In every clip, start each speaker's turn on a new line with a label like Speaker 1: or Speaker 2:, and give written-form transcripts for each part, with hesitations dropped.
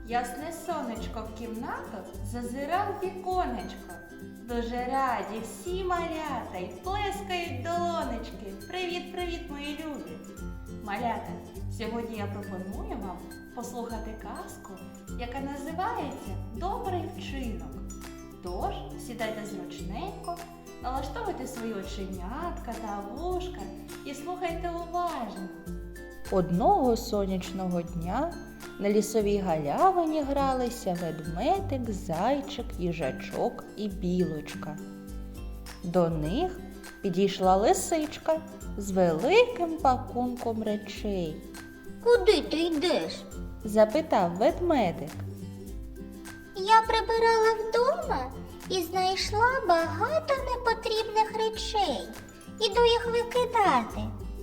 Speaker 1: Ясне сонечко в кімнату зазирав віконечко. Дуже раді всі малята й плескають долонечки. Привіт-привіт, мої любі! Малята, сьогодні я пропоную вам послухати казку, яка називається «Добрий вчинок». Тож, сідайте зручненько, налаштовуйте свої оченятка та вушка і слухайте уважно. Одного сонячного дня на лісовій галявині гралися ведмедик, зайчик, їжачок і білочка. До них підійшла лисичка з великим пакунком речей.
Speaker 2: Куди ти йдеш?
Speaker 1: Запитав ведмедик.
Speaker 2: Я прибирала вдома і знайшла багато непотрібних речей. Іду їх викидати.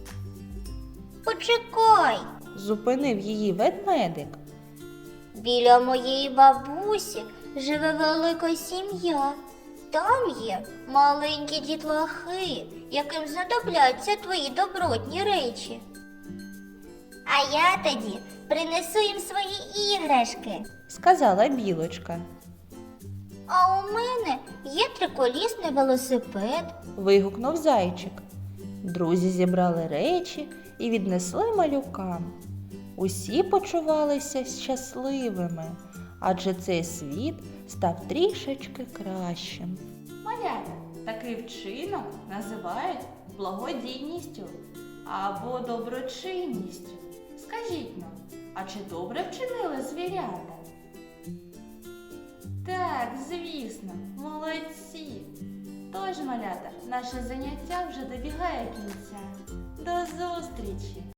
Speaker 2: Почекай,
Speaker 1: Зупинив її ведмедик.
Speaker 2: біля моєї бабусі живе велика сім'я. Там є маленькі дітлахи, яким знадобляться твої добротні речі. А я тоді принесу їм свої іграшки.
Speaker 1: Сказала білочка.
Speaker 2: А у мене є триколісний велосипед.
Speaker 1: Вигукнув зайчик. Друзі зібрали речі і віднесли малюкам. Усі почувалися щасливими, адже цей світ став трішечки кращим. Малята, такий вчинок називають благодійністю або доброчинністю. Скажіть нам, а чи добре вчинили звірята? Так, звісно, молодці! Тож, малята, наше заняття вже добігає кінця. До зустрічі!